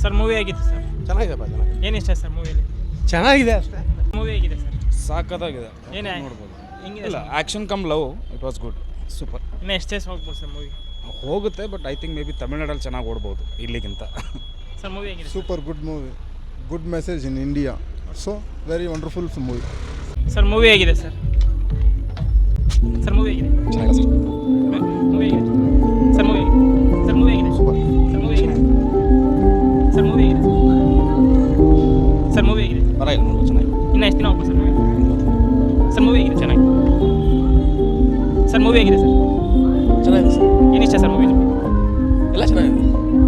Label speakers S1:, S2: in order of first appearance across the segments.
S1: Sir movie ಆಗಿದೆ sir.
S2: ಚೆನ್ನಾಗಿದೆಪ್ಪ, ಚೆನ್ನಾಗಿದೆ.
S1: ಏನು ಇಷ್ಟ ಸರ್ ಮೂವಿಯಲ್ಲಿ?
S2: ಚೆನ್ನಾಗಿದೆ ಅಷ್ಟೇ.
S1: ಮೂವಿ ಆಗಿದೆ ಸರ್.
S3: ಸಾಕತ್ತಾಗಿದೆ,
S1: ಏನೇ
S3: ನೋಡ್ಬೋದು.
S1: ಹೆಂಗಿದೆ
S3: ಇಲ್ಲ,
S1: sir?
S3: Action come love, it was good, super.
S1: ಇನ್ನು ಎಷ್ಟು ಡೇಸ್ ಹೋಗ್ಬೋದು ಸರ್ ಮೂವಿ?
S3: ಹೋಗುತ್ತೆ, but I think maybe ತಮಿಳ್ನಾಡಲ್ಲಿ ಚೆನ್ನಾಗಿ ಓಡ್ಬೋದು ಇಲ್ಲಿಗಿಂತ.
S1: ಸರ್ ಮೂವಿ ಆಗಿದೆ
S4: Super good movie. Good message in India. So, very wonderful movie.
S1: Sir movie ಆಗಿದೆ ಸರ್. ಸರ್ ಮೂವಿ ಆಗಿದೆ.
S3: ಚೆನ್ನಾಗಿದೆ ಸರ್.
S1: ಮೂವಿ ಆಗಿದೆ ಸರ್. ಮೂವಿ ಆಗಿದೆ ಸರ್. ಮೂವಿ ಆಗಿದೆ ಸರ್. ಮೂವಿ ಆಗಿದೆ ಸರ್. ಮೂವಿ ಆಗಿದೆ ಸರ್. ಮೂವಿ ಆಗಿದೆ.
S3: ಪರವಾಗಿಲ್ಲ, ನೋಡ್ಬೋದು, ಚೆನ್ನಾಗಿ.
S1: ಇನ್ನು ಎಷ್ಟು ದಿನ ಹೋಗ್ಬೋದು ಸರ್ ಮೂವಿ? ಸರ್ ಮೂವಿ ಆಗಿದೆ ಚೆನ್ನಾಗಿ. ಸರ್ ಮೂವಿ ಆಗಿದೆ ಸರ್.
S2: ಚೆನ್ನಾಗಿದೆ ಸರ್.
S1: ಏನಿಷ್ಟ ಸರ್ ಮೂವಿ?
S2: ಎಲ್ಲ ಚೆನ್ನಾಗಿದೆ.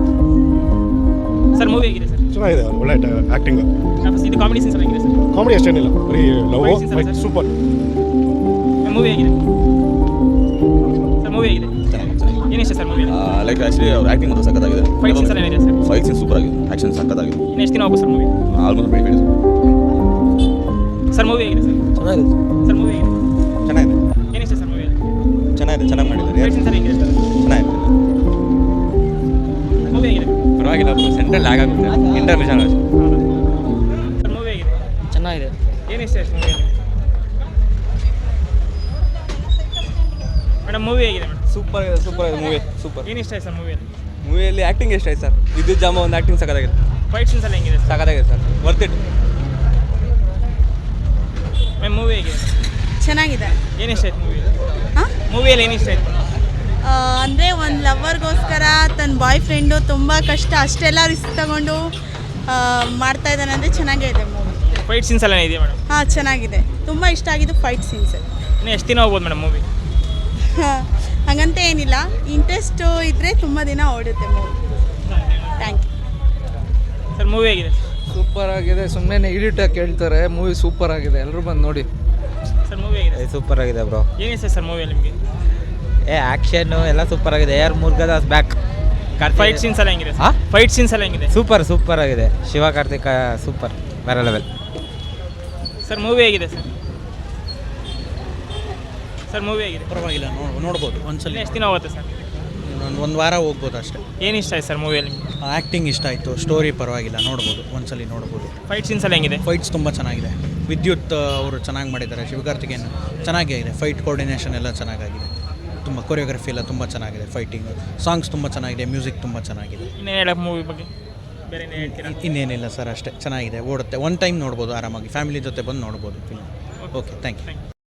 S1: ಸರ್ ಮೂವಿ ಆಗಿದೆ ಸರ್.
S2: ಚೆನ್ನಾಗಿದೆ, ಒಳ್ಳೆ ಆ್ಯಕ್ಟಿಂಗ್.
S1: ಇದು ಕಾಮಿಡಿ ಸೀನ್ಸ್ ಎಲ್ಲ ಆಗಿದೆ ಸರ್.
S2: ಕಾಮಿಡಿ ಅಷ್ಟೇನಿಲ್ಲ, ಬರೀ ಲವ್
S1: Fight scenes ಅಲ್ಲ
S2: ಫೈಟ್
S1: ಸರ್?
S2: ಸೂಪರ್.
S1: ಮೂವಿ ಆಗಿದೆ ಸರ್. ಮೂವಿ ಆಗಿದೆ. ಏನಿಷ್ಟ ಸರ್ ಮೂವಿ?
S5: ಲೈಕ್ ಆ್ಯಕ್ಚುಲಿ ಅವ್ರ ಆ್ಯಕ್ಟಿಂಗ್ ಮಾತ್ರ ಸಕ್ಕತ್ತಾಗಿದೆ.
S1: ಫೈಟ್ ಸೀನ್ಸ್ ಎಲ್ಲ ಏನಿದೆ ಸರ್?
S5: ಫೈಟ್ ಸೀನ್ ಸೂಪರ್ ಆಗಿದೆ, ಆ್ಯಕ್ಷನ್ ಸಕ್ಕತ್ತಾಗಿದೆ.
S1: ಇನ್ನು ಎಷ್ಟು ದಿನ ಹೋಗ್ಬೋದು ಸರ್ ಮೂವಿ?
S5: ಆಲ್ಮೋಸ್ಟ್ ಬೇಡ
S1: ಸರ್ ಮೂವಿ ಆಗಿದೆ ಸರ್.
S2: ಚೆನ್ನಾಗಿದೆ
S1: ಸರ್ ಮೂವಿ ಆಗಿದೆ.
S5: ಚೆನ್ನಾಗಿದೆ,
S1: ಏನಿಷ್ಟ ಸರ್ ಮೂವಿಯಲ್ಲಿ?
S5: ಚೆನ್ನಾಗಿದೆ, ಚೆನ್ನಾಗಿ ಮಾಡಿದ್ದಾರೆ.
S1: ಫೈಟ್ ಸೀನ್ಸ್ ಎಲ್ಲ ಹೇಗಿದೆ ಸರ್?
S5: ಚೆನ್ನಾಗಿದೆ,
S1: ಮೂವಿ ಆಗಿದೆ.
S5: ಪರವಾಗಿಲ್ಲ, ಸೆಂಟ್ರಲ್ ಲ್ಯಾಗ್ ಆಗುತ್ತೆ, ಇಂಟರ್ಮಿಷನ್ ಅಷ್ಟೇ.
S1: ಸರ್ ಮೂವಿ ಆಗಿದೆ.
S6: ಚೆನ್ನಾಗಿದೆ.
S1: ಏನಿಷ್ಟ ಎಷ್ಟು ಮೂವಿಯಲ್ಲಿ? ಮೇಡಮ್ ಮೂವಿ ಆಗಿದೆ ಮೇಡಮ್.
S6: ಸೂಪರ್ ಇದೆ, ಸೂಪರ್ ಇದೆ ಮೂವಿ, ಸೂಪರ್.
S1: ಏನಿಷ್ಟ ಆಯ್ತು ಸರ್ ಮೂವಿಯಲ್ಲಿ?
S6: ಮೂವಿಯಲ್ಲಿ ಆ್ಯಕ್ಟಿಂಗ್ ಎಷ್ಟು ಆಯ್ತು ಸರ್? ವಿದ್ಯುತ್ ಜಾಮ ಒಂದು ಆ್ಯಕ್ಟಿಂಗ್ ಸಕ್ಕತ್ತಾಗಿದೆ,
S1: ಫೈಟ್ ಸೀನ್ಸ್ ಎಲ್ಲ ಹೆಂಗಿದೆ ಸರ್?
S6: ಸಕ್ಕತ್ತಾಗಿದೆ sir, worth it.
S1: Ma'am movie ಆಗಿದೆ.
S7: ಚೆನ್ನಾಗಿದೆ.
S1: ಏನಿಷ್ಟ ಆಯ್ತು ಮೂವಿ?
S7: ಹಾಂ
S1: ಮೂವಿಯಲ್ಲಿ ಏನಿಷ್ಟ ಆಯ್ತು?
S7: ಅಂದರೆ ಒಂದು ಲವರ್ಗೋಸ್ಕರ ತನ್ನ ಬಾಯ್ ಫ್ರೆಂಡು ತುಂಬ ಕಷ್ಟ ಅಷ್ಟೆಲ್ಲ ರಿಸ್ಕ್ ತಗೊಂಡು ಮಾಡ್ತಾ ಇದ್ದಾನೆ ಅಂದರೆ ಚೆನ್ನಾಗೇ ಇದೆ ಮೂವಿ.
S1: ಫೈಟ್ ಸೀನ್ಸ್ ಎಲ್ಲ ಇದೆಯಾ ಮೇಡಮ್?
S7: ಹಾಂ ಚೆನ್ನಾಗಿದೆ, ತುಂಬ ಇಷ್ಟ ಆಗಿದ್ದು ಫೈಟ್ ಸೀನ್ಸ್.
S1: ಇನ್ನು ಎಷ್ಟು ದಿನ ಹೋಗ್ಬೋದು ಮೇಡಮ್ ಮೂವಿ?
S7: ಹಾಗಂತ ಏನಿಲ್ಲ, ಇಂಟ್ರೆಸ್ಟು ಇದ್ದರೆ ತುಂಬ ದಿನ ಓಡುತ್ತೆ movie. Thank you
S1: sir movie ಆಗಿದೆ.
S6: ಸೂಪರ್ ಆಗಿದೆ, ಸುಮ್ಮನೆ ಎಡಿಟಾಗಿ ಕೇಳ್ತಾರೆ. ಮೂವಿ ಸೂಪರ್ ಆಗಿದೆ, ಎಲ್ಲರೂ ಬಂದು ನೋಡಿ.
S1: ಸರ್ ಮೂವಿ ಆಗಿದೆ.
S8: ಸೂಪರ್ ಆಗಿದೆ ಬ್ರೋ.
S1: ಏನಿಷ್ಟ ಸರ್ ಮೂವಿಯಲ್ಲಿ ನಿಮಗೆ?
S8: ಆ್ಯಕ್ಷನ್ನು ಎಲ್ಲ ಸೂಪರ್ ಆಗಿದೆ. ಯಾರು ಮುರುಗದಾಸ್ ಬ್ಯಾಕ್.
S1: ಫೈಟ್ ಸೀನ್ಸ್ ಎಲ್ಲ ಹೆಂಗಿದೆ?
S8: ಹಾಂ,
S1: ಫೈಟ್ ಸೀನ್ಸ್ ಎಲ್ಲ ಹೆಂಗಿದೆ?
S8: ಸೂಪರ್ ಆಗಿದೆ. ಶಿವ ಕಾರ್ತಿಕ ಸೂಪರ್, ಬೇರೆ ಲೆವೆಲ್.
S1: ಸರ್ ಮೂವಿ ಆಗಿದೆ ಸರ್. ಸರ್ ಮೂವಿ ಆಗಿದೆ.
S9: ಪರವಾಗಿಲ್ಲ, ನೋಡ್ಬೋದು ಒಂದ್ಸಲ.
S1: ಇನ್ನು ಎಷ್ಟು ದಿನ ಹೋಗುತ್ತೆ ಸರ್?
S9: ಒಂದು ವಾರ ಹೋಗ್ಬೋದು ಅಷ್ಟೇ.
S1: ಏನಿಷ್ಟ ಆಯ್ತು ಸರ್ ಮೂವಿಯಲ್ಲಿ ನಿಮಗೆ?
S9: ಆ್ಯಕ್ಟಿಂಗ್ ಇಷ್ಟ ಆಯಿತು, ಸ್ಟೋರಿ ಪರವಾಗಿಲ್ಲ, ನೋಡ್ಬೋದು ಒಂದ್ಸಲಿ ನೋಡ್ಬೋದು.
S1: ಫೈಟ್ ಸೀನ್ಸ್ ಎಲ್ಲ ಹೆಂಗಿದೆ?
S9: ಫೈಟ್ಸ್ ತುಂಬ ಚೆನ್ನಾಗಿದೆ. ವಿದ್ಯುತ್ ಅವರು ಚೆನ್ನಾಗಿ ಮಾಡಿದ್ದಾರೆ, ಶಿವಕಾರ್ತಿಕೇಯನ್ ಚೆನ್ನಾಗಿದೆ. ಫೈಟ್ ಕೋರ್ಡಿನೇಷನ್ ಎಲ್ಲ ಚೆನ್ನಾಗಿದೆ, ತುಂಬ ಕೊರಿಯೋಗ್ರಫಿ ಎಲ್ಲ ತುಂಬ ಚೆನ್ನಾಗಿದೆ. ಫೈಟಿಂಗ್ ಸಾಂಗ್ಸ್ ತುಂಬ ಚೆನ್ನಾಗಿದೆ, ಮ್ಯೂಸಿಕ್ ತುಂಬ ಚೆನ್ನಾಗಿದೆ.
S1: ಇನ್ನೇನು ಹೇಳಕ್ಕೆ ಮೂವಿ ಬಗ್ಗೆ? ಬೇರೆ ಏನು ಹೇಳ್ತೀರಾ?
S9: ಇನ್ನೇನಿಲ್ಲ ಸರ್, ಅಷ್ಟೇ ಚೆನ್ನಾಗಿದೆ, ಓಡುತ್ತೆ. ಒನ್ ಟೈಮ್ ನೋಡ್ಬೋದು ಆರಾಮಾಗಿ, ಫ್ಯಾಮಿಲಿ ಜೊತೆ ಬಂದು ನೋಡ್ಬೋದು ಫಿಲ್ಮ್. Okay, thank you.